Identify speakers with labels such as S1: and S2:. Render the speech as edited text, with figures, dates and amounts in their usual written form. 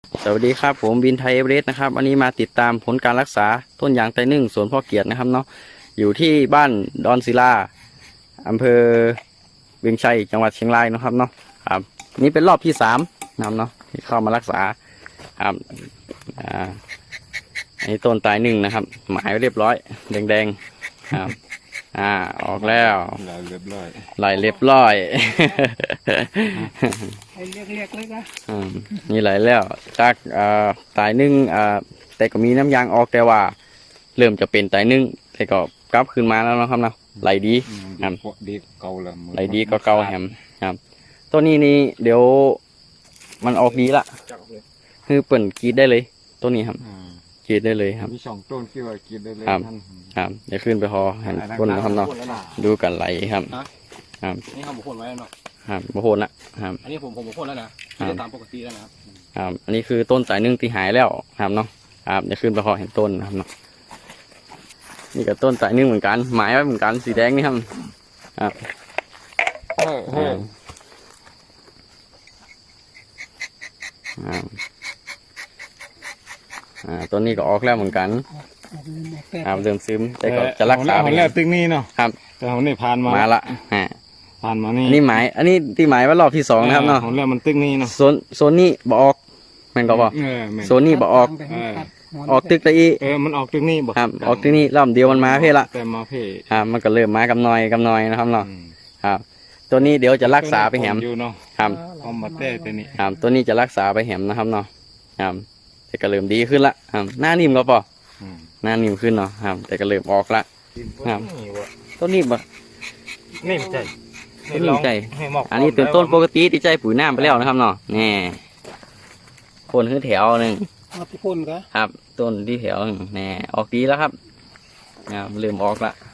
S1: สวัสดีครับผมบินไทยเอเวอเรสต์นะครับวันนี้มาติดตามผลการรักษาต้นยางไตรนึ่งสวนพ่อเกียรตินะครับเนาะอยู่ที่บ้านดอนศิลาอำเภอเวียงชัยจังหวัดเชียงรายนะครับเนาะครับนี่เป็นรอบที่3นะครับเนาะที่เข้ามารักษาครับอันนี้ต้นไตรนึ่งนะครับหมายไว้เรียบร้อยแดงๆครับออกแล้ว
S2: ลายเรียบร้อย
S1: ไหลเรียบร้อย
S3: เรียกเลยนะ
S1: นี่ไหลแล้วจากไตรนึ่งแต่ก็มีน้ำยางออกแต่ว่าเริ่มจะเป็นไตรนึ่งแต่ก็กลับขึ้นมาแล้วนะครับเนาะไหลดีครับ
S2: ดีเก่าแล้ว
S1: ไหลดีก็เก่าแฮมครับตัวนี้นี่เดี๋ยวมันออกดีละคือเปิ่นกรีดได้เลยตัวนี้ครับกรีดได้เลยครับ
S2: มี2ต้นที่ว่ากรีดได้เลย
S1: ครับเดี๋ยวขึ้นไปพอเห็นต้นนะครับเนาะดูกันไหลครับครับ
S3: นี่เขาบุกคนไว้เนาะ
S1: ครับบุกคนนะครับ
S3: อันนี้ผมบุกคนแล้วนะที่ตามปกติแล้วนะครับ
S1: ครับอันนี้คือต้นสายนึ่งที่หายแล้วครับเนาะครับเดี๋ยวขึ้นไปพอเห็นต้นนะครับเนาะนี่ก็ต้นสายนึ่งเหมือนกันหมายไว้เหมือนกันสีแดงนี่ครับครับต้นนี้ก็ออกแล้วเหมือนกันครับเริ่มซึมแต่ก็จะรักษา
S2: ไปแล้วตึกนี้เนาะ
S1: ครับ
S2: แต่ของนี่ผ่านมา
S1: ละ
S2: ผ่านมานี่
S1: อันนี้หมายอันนี้ที่หมายว่ารอบที่2นะครับเนาะ
S2: ของแล้วมันตึกนี้เนาะ
S1: โซนนี้บ่ออกแม่นก็บ่โซนนี้บ่ออกตึกตะอี
S2: มันออกตึกนี้บ่
S1: ครับออกตึกนี้รอบเดียวมันมาเพ่ละ
S2: แต่มาเพ่
S1: ครับมันก็เริ่มมากำน้อยนะครับเนาะครับตัวนี้เดี๋ยวจะรักษาไปแหมครับ
S2: เอามาเต้ตัวนี้
S1: ครับตัวนี้จะรักษาไปแหมนะครับเนาะครับแต่ก็เริ่มดีขึ้นละครับหน้านิ่มก็พอหน้านิ่มขึ้นเนาะครับแต่ก็เริ่มออกละครับต้นนี้บ่
S2: นิ่มใจ
S1: นิ่มใจอันนี้เป็นต้นปกติที่ใจปุ๋ยน้ำไปแล้วนะครับเนาะนี่คนขึ้นแถวหนึ่ง
S3: พ่นครับ
S1: ต้นที่แถวแน่ออกดีแล้วครับเริ่มออกละ